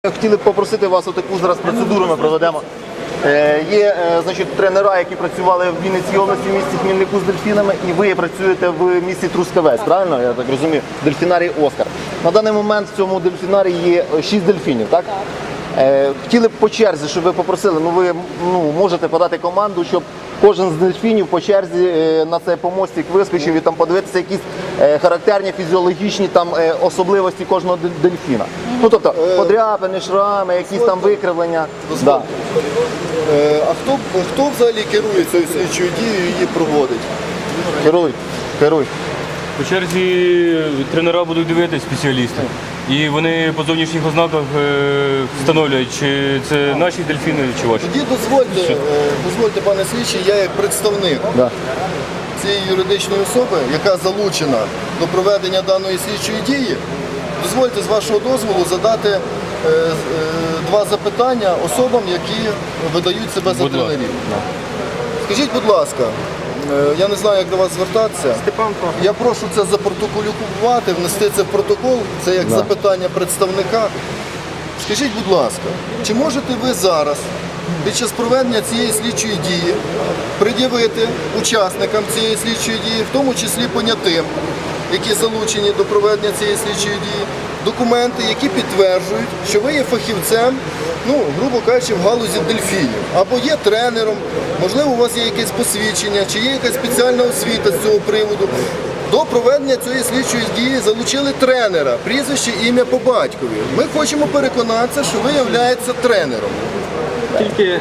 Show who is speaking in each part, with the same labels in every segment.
Speaker 1: Хотіли б попросити вас, отаку зараз процедуру ми проведемо. Є тренера, які працювали в Вінницькій області, в місті Хмільнику з дельфінами, і ви працюєте в місті Трускавець, правильно? Я так розумію, дельфінарій «Оскар». На даний момент в цьому дельфінарії є 6 дельфінів, так? Хотіли б по черзі, щоб ви попросили, ви можете подати команду, щоб кожен з дельфінів по черзі на цей помостик вискочив і там подивитися якісь характерні фізіологічні особливості кожного дельфіна. Ну, тобто, подряпини, шрами, якісь там викривлення. Да.
Speaker 2: А хто взагалі керує цією слідчою дією і її проводить?
Speaker 1: Керуй.
Speaker 3: По черзі тренера будуть дивитися, спеціалісти. І вони по зовнішніх ознаках встановлюють, чи це наші дельфіни, чи ваші.
Speaker 2: Тоді дозвольте, пане слідчий, я як представник цієї юридичної особи, яка залучена до проведення даної слідчої дії, дозвольте з вашого дозволу задати два запитання особам, які видають себе за тренерів. Скажіть, будь ласка, я не знаю, як до вас звертатися. Я прошу це запротоколювати, внести це в протокол, це як запитання представника. Скажіть, будь ласка, чи можете ви зараз, під час проведення цієї слідчої дії, пред'явити учасникам цієї слідчої дії, в тому числі понятим, які залучені до проведення цієї слідчої дії, документи, які підтверджують, що ви є фахівцем, грубо кажучи, в галузі дельфінів, або є тренером, можливо, у вас є якесь посвідчення, чи є якась спеціальна освіта з цього приводу. До проведення цієї слідчої дії залучили тренера, прізвище, ім'я по батькові. Ми хочемо переконатися, що ви являєтеся тренером.
Speaker 3: Тільки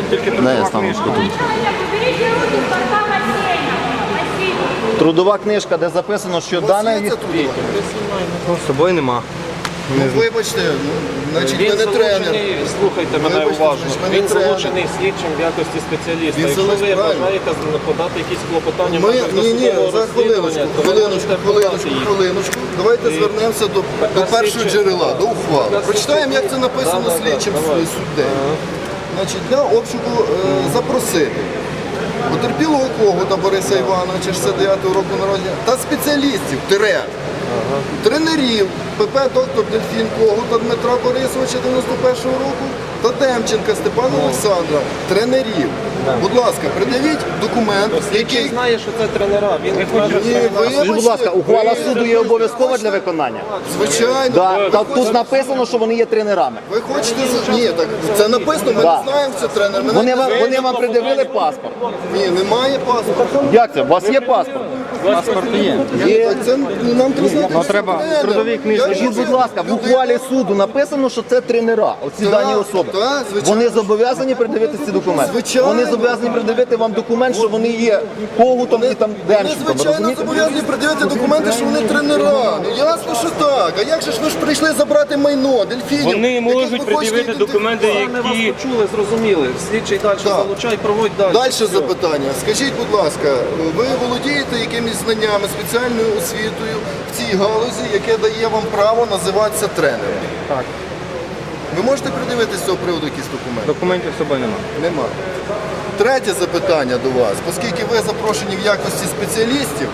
Speaker 1: Трудова книжка, де записано, що дане від...
Speaker 3: з собою нема.
Speaker 2: Вибачте, значить ви не тренер.
Speaker 4: Слухайте мене уважно. Він залучений слідчим в якості спеціаліста. Якщо ви бажаєте подати якісь клопотання,
Speaker 2: Хвилиночку. Давайте звернемося до першого джерела, до ухвали. Прочитаємо, як це написано слідчим суддею. Для обшуку запросити потерпілого Когута Бориса Івановича, 69-го року народження, та спеціалістів, тренерів ПП доктор Дельфін Когута Дмитра Борисовича, 91-го року, та Демченка Степана Олександра, тренерів. Будь ласка, придавіть документ, який...
Speaker 4: знає, що це тренера.
Speaker 1: Скажіть, будь ласка, ухвала суду є обов'язкова для виконання?
Speaker 2: Звичайно.
Speaker 1: Тут написано, що вони є тренерами.
Speaker 2: Ви хочете... Ні, так це написано, ми не знаємо, що це тренер.
Speaker 1: Вони вам придивили паспорт?
Speaker 2: Ні, немає паспорта.
Speaker 1: Як це? У вас є паспорт?
Speaker 3: Паспорт є.
Speaker 2: Це нам треба
Speaker 3: трудові книжки.
Speaker 1: Скажіть, будь ласка, в ухвалі суду написано, що це тренера, оці дані особи. Вони зобов'язані придивити ці документи?
Speaker 2: Звичайно.
Speaker 1: Вони зобов'язані придивити вам документ, що вони є Когутом і там Демченком,
Speaker 2: Звичайно,
Speaker 1: розумієте?
Speaker 2: зобов'язані придивити документи, що вони тренера. Ясно, що так. А як же ж ви ж прийшли забрати майно, дельфінів?
Speaker 3: Вони можуть пред'явити документи, які...
Speaker 4: почули, зрозуміли. Слідчий далі залучай, проводь далі.
Speaker 2: Далі запитання. Скажіть, будь ласка, ви володієте якимись знаннями, спеціальною освітою в цій галузі, яке дає вам право називатися тренером?
Speaker 3: Так.
Speaker 2: Ви можете придивити з цього приводу якісь документи?
Speaker 3: Документів з собою нема.
Speaker 2: Нема. Третє запитання до вас. Оскільки ви запрошені в якості спеціалістів,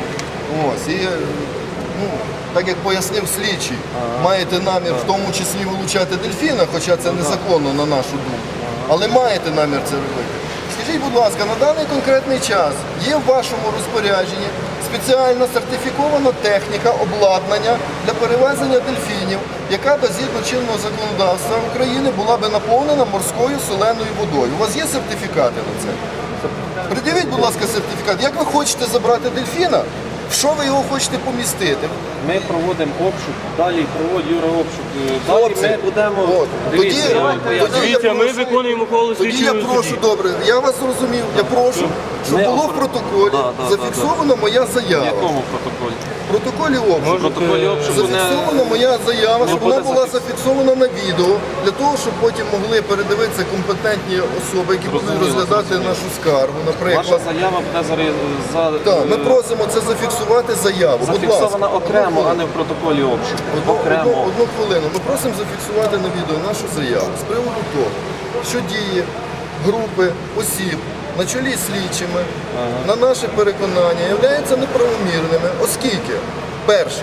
Speaker 2: так як пояснив слідчий, маєте намір в тому числі вилучати дельфіна, хоча це незаконно на нашу думку, але маєте намір це робити. Скажіть, будь ласка, на даний конкретний час є в вашому розпорядженні спеціальна сертифікована техніка, обладнання для перевезення дельфінів, яка згідно чинного законодавства України була би наповнена морською соленою водою. У вас є сертифікати на це? Придивіть, будь ласка, сертифікат. Як ви хочете забрати дельфіна? В що ви його хочете помістити?
Speaker 4: Ми проводимо обшук, далі проводить Юра обшук. Далі ми будемо...
Speaker 3: Дивіться, ми виконуємо ухвалу
Speaker 2: Тоді я
Speaker 3: слідчого
Speaker 2: прошу,
Speaker 3: судді.
Speaker 2: добре, я вас зрозумів, я прошу, щоб було в протоколі зафіксована моя заява.
Speaker 4: В якому протоколі?
Speaker 2: В протоколі обшуку.
Speaker 4: В протоколі обшуку не...
Speaker 2: Зафіксована моя заява, щоб вона
Speaker 4: буде
Speaker 2: була зафіксована на відео, для того, щоб потім могли передивитися компетентні особи, які будуть розглядати нашу скаргу,
Speaker 4: Ваша
Speaker 2: наприклад.
Speaker 4: заява буде
Speaker 2: Так, ми просимо це зафіксувати заяву, будь ласка.
Speaker 4: зафіксована окремо, а не в протоколі обшуку. Окремо.
Speaker 2: Одну хвилину. Ми просимо зафіксувати на відео нашу заяву з приводу того, що дії групи осіб на чолі з слідчими, на наше переконання, являються неправомірними, оскільки, перше,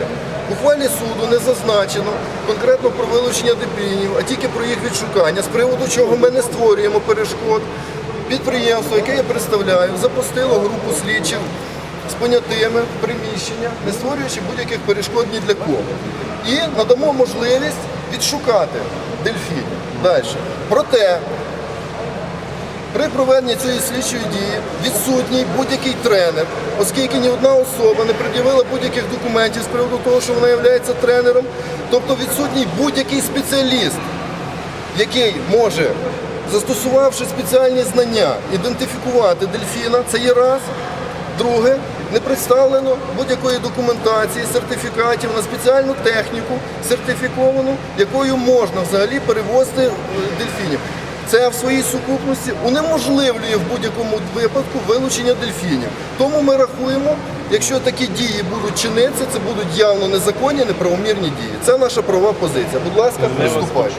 Speaker 2: В ухвалі суду не зазначено конкретно про вилучення дельфінів, а тільки про їх відшукання, з приводу чого ми не створюємо перешкод. Підприємство, яке я представляю, запустило групу слідчих з понятими в приміщення, не створюючи будь-яких перешкод ні для кого. І надамо можливість відшукати дельфінів. Далі. Проте, при проведенні цієї слідчої дії відсутній будь-який тренер, оскільки ні одна особа не пред'явила будь-яких документів з приводу того, що вона є тренером, тобто відсутній будь-який спеціаліст, який може, застосувавши спеціальні знання, ідентифікувати дельфіна, це є раз. Друге, не представлено будь-якої документації, сертифікатів на спеціальну техніку, сертифіковану, якою можна взагалі перевозити дельфінів. Це в своїй сукупності унеможливлює в будь-якому випадку вилучення дельфінів. Тому ми рахуємо, якщо такі дії будуть чинитися, це будуть явно незаконні, неправомірні дії. Це наша правова позиція. Будь ласка, приступайте.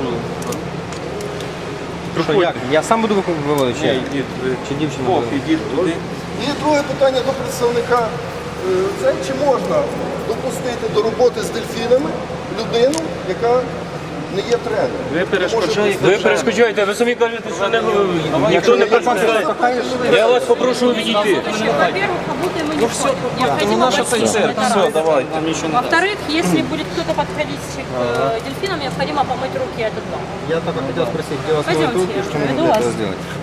Speaker 5: Що, як? Я сам буду виводити? Чи дівчина буде?
Speaker 3: Ідіть туди.
Speaker 2: І друге питання до представника. Це чи можна допустити до роботи з дельфінами людину, яка не є тренером?
Speaker 3: Ви перешкоджаєте, ви самі кажете, що ніхто не перешкоджає. Я вас попрошу відійти.
Speaker 6: Во-первых, работаем мы не входим. Необходимо бассейн. Это раз. Во-вторых, если будет кто-то подходить к дельфинам, необходимо помыть руки от этого.
Speaker 5: Я только хотел спросить, где вас
Speaker 6: Пойдемте,
Speaker 5: тут, что мы
Speaker 6: веду
Speaker 5: могли
Speaker 6: вас.
Speaker 5: это сделать?